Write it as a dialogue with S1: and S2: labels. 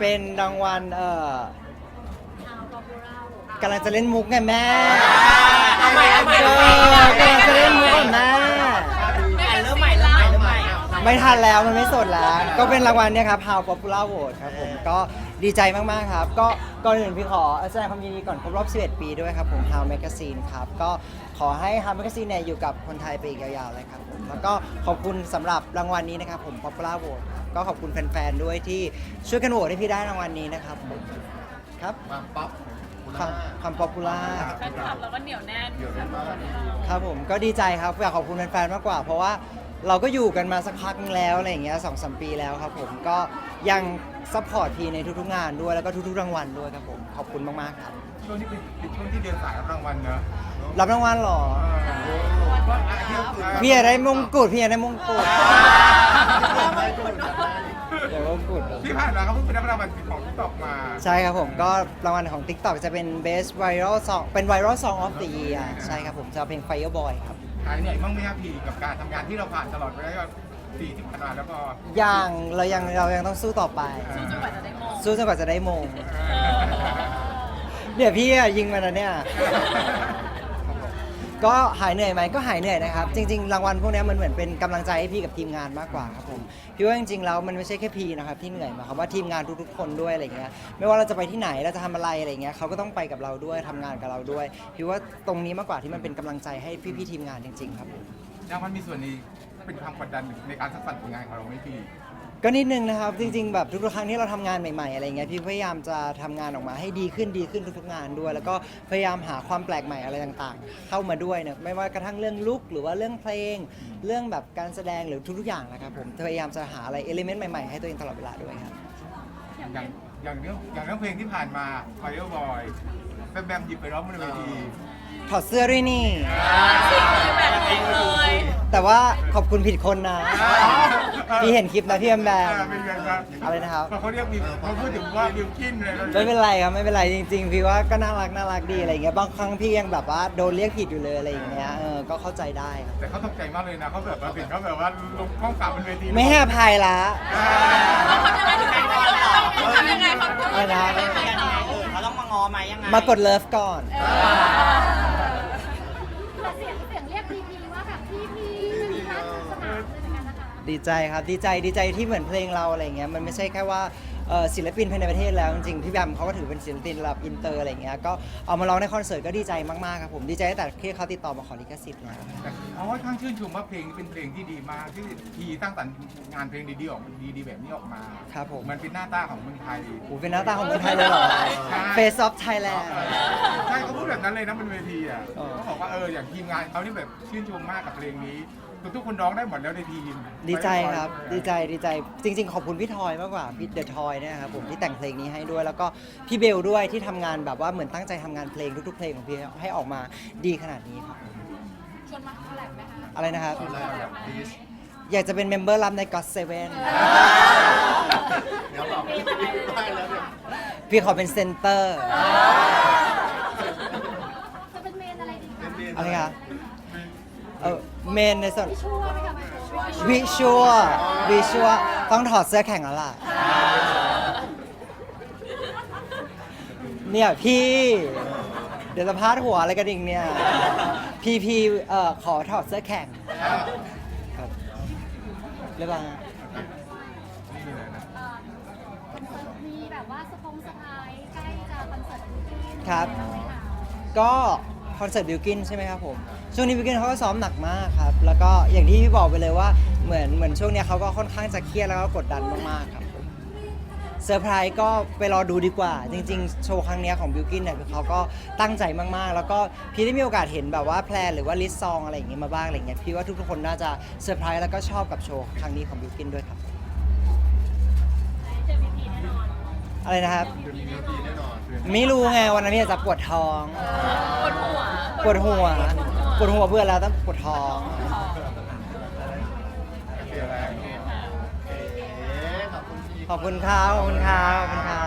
S1: เป็นรางวัลกำลังจะเล่นมุกไงแม่กำลังจะเล่นมุกกับแม่
S2: เริ่มใหม่
S1: ไม่ทันแล้วมันไม่สดแล้วก็เป็นรางวัลเนี่ยครับ How Popular Vote ครับผมก็ดีใจมากๆครับก็ก่อนอื่นพี่ขอแสดงความยินดีก่อนครบรอบ 11 ปีด้วยครับผม How Magazine ครับก็ขอให้ How Magazine เนี่ยอยู่กับคนไทยไปอีกยาวๆเลยครับผมแล้วก็ขอบคุณสำหรับรางวัลนี้นะครับผม Popular Vote ครับก็ขอบคุณแฟนๆด้วยที่ช่วยกันโหวตให้พี่ได้รางวัลนี้นะครับผมครับความป๊อปปูล่า
S2: แฟนคลับเราก็เหนียวแน่น
S1: ครับผมก็ดีใจครับอยากขอบคุณแฟนๆมากกว่าเพราะว่าเราก็อยู่กันมาสักพักนึงแล้วอะไรอย่างเงี้ย2-3 ปีแล้วครับผมก็ยังซัพพอร์ตพีในทุกๆงานด้วยแล้วก็ทุกๆรางวัลด้วยครับผมขอบคุณมากๆครับ
S3: ช่วงนี้เป็นช่วงที่เดินสายรับรางวัลเนอะ
S1: รับรางวัลหรอพี่อยากได้มงกุฎพี่อยากได้มงกุฎเดี๋ยวมงกุฎ
S3: ที่ผ่านมาเขาเพิ่งไปรับรางวัลของ TikTok มา
S1: ใช่ครับผมก็รางวัลของ TikTok จะเป็น Best Viral Song เป็น Viral Song of the Year ใช่ครับผมจะเพลง Fireboy ครับ
S3: หายเหนื่อยบ้างไหมครับพี่กับการทำงานที่เราผ่านตลอดไปแล้วก็ปีที่ผ่านมาแล้วก็
S1: เรายังต้องสู้ต่อไป
S2: สู้จนกว่าจะได้มง
S1: สู้จนกว่าจะได้มงเดี๋ยวพี่ยิงมาแล้วเนี่ยก็หายเหนื่อยไหมก็หายเหนื่อยนะครับจริงๆรางวัลพวกนี้มันเหมือนเป็นกำลังใจให้พี่กับทีมงานมากกว่าครับผมพี่ว่าจริงๆแล้วมันไม่ใช่แค่พี่นะครับที่เหนื่อยมาครับว่าทีมงานทุกๆคนด้วยอะไรเงี้ยไม่ว่าเราจะไปที่ไหนเราจะทำอะไรอะไรเงี้ยเขาก็ต้องไปกับเราด้วยทำงานกับเราด้วยพี่ว่าตรงนี้มากกว่าที่มันเป็นกำลังใจให้พี่ๆทีมงานจริงๆครับผม
S3: รางวัลมีส่วนนี้เป็นความกดดันในการสร้างสรรค์ผลงานของเราไหมพี่
S1: ก็นิดนึงนะครับจริงๆแบบทุกๆครั้งที่เราทำงานใหม่ๆอะไรเงี้ยพี่พยายามจะทำงานออกมาให้ดีขึ้นทุกๆงานด้วย แล้วก็พยายามหาความแปลกใหม่อะไรต่างๆเข้ามาด้วยเนี่ยไม่ว่ากระทั่งเรื่องลุคหรือว่าเรื่องเพลงเรื่องแบบการแสดงหรือทุกๆอย่างนะครับผมพยายามจะหาอะไรเอลิเมนต์ใหม่ๆให้ตัวเองตลอดเวลาด้วยครับ
S3: อย่างเรื่องเพลงที่ผ่านมา Fireboy แบมหยิบไปร้องบนเวที
S1: ถอดเสื้อด้วยนี่
S2: แบบนี้เลย
S1: แต่ว่าขอบคุณผิดคนนะพี่เห็นคลิปนะพี่แอมอะไรนะครับ
S3: เขาเรียกเขาพูดถึงว่าบิวกินเลย
S1: ไม่เป็นไรครับไม่เป็นไรจริงๆพี่ว่าก็น่ารักดีอะไรเงี้ยบางครั้งพี่ยังแบบว่าโดนเรียกผิดอยู่เลยอะไรอย่างเงี้ยก็เข้าใจได้ครับ
S3: แต่เขาตกใจมากเลยนะเขาแบบว่าถึงเขาแบบว่าลงข้องกลับบนเวที
S1: ไม่ให้อภัยละ
S2: ทำยังไงเขา
S1: อะไรนะ
S2: เขาต้องมางอไหมยังไง
S1: มากดเลิฟก่อน
S4: เสียงเรียกพีว่าแบบพีมันมีการสนามเลยเหมือนกันนะคะ
S1: ดีใจครับดีใจที่เหมือนเพลงเราอะไรเงี้ยมันไม่ใช่แค่ว่าศิลปินภายในประเทศแล้วจริงๆพี่แบมเขาก็ถือเป็นศิลปินระดับอินเตอร์อะไรเงี้ยก็เอามาร้องในคอนเสิร์ตก็ดีใจมากๆครับผมดีใจตั้งแต่ที่เขาติดต่อมาขอลิขสิทธิ์แล้ว
S3: เขาค่อนข้างชื่นชมว่าเพลงนี้เป็นเพลงที่ดีมากที่ทีตั้งสรรค์งานเพลงดีๆออกมาดีๆแบบนี้ออกมา
S1: ครับผม
S3: มันเป็นหน้าตาของเมืองไทย
S1: เป็นหน้าตาของเมืองไทยเลยเหรอ Face of Thailand
S3: ใช่เขาพูดแบบนั้นเลยนะบนเวทีอ่ะเขาบอกว่าอย่างทีมงานเขานี่แบบชื่นชมมากกับเพลงนี้ทุกคนร้องได้หมดแล้วในทีม
S1: ดีใจครับดีใจจริงๆขอบคุณพี่ทอยมากกว่าพี่เดอะทอยเนี่ยครับผมที่แต่งเพลงนี้ให้ด้วยแล้วก็พี่เบลด้วยที่ทำงานแบบว่าเหมือนตั้งใจทำงานเพลงทุกๆเพลงของพี่ให้ออกมาดีขนาดนี้ครับ
S4: ชวนมาคอลแลบไหมคะ
S1: อะไรนะครับอยากจะเป็นเมมเบอร์รับใน God7
S3: เดี๋ยวบอกได้แล้วเนี่ย
S1: พี่ขอเป็นเซนเตอร์
S4: จะเป็นเมนอะไรดีคะ
S1: อะไรคะเมนในส่วน
S4: วิชัว
S1: ต้องถอดเสื้อแข่งแล้วล่ะเนี่ยพี่เดี๋ยวจะพาดหัวอะไรกันอีกเนี่ยพี่ขอถอดเสื้อแข่งครับเรียบร้อย
S4: มีแบบว่าสไพรส์ใกล้จะคอนเสิร์ต
S1: ครับก็คอนเสิร์ตบิลกินใช่ไหมครับผมช่วงนี้บิลกินเขาก็ซ้อมหนักมากครับแล้วก็อย่างที่พี่บอกไปเลยว่าเหมือนช่วงนี้เขาก็ค่อนข้างจะเครียดแล้วก็กดดันมากๆครับผมเซอร์ไพรส์ก็ไปรอดูดีกว่าจริงๆโชว์ครั้งนี้ของบิลกินเนี่ยคือเขาก็ตั้งใจมากๆแล้วก็พี่ได้มีโอกาสเห็นแบบว่าแพลนหรือว่าลิสต์ซองอะไรอย่างเงี้ยมาบ้างอะไรเงี้ยพี่ว่าทุกคนน่าจะเซอร์ไพรส์แล้วก็ชอบกับโชว์ครั้งนี้ของบิลกินด้วยครับอะไรนะครับไม่รู้ไงวันนั้นพี่จะปวดท้องปวดหัวเพื่อนแล้วต้องปวดท้องขอบคุณครับ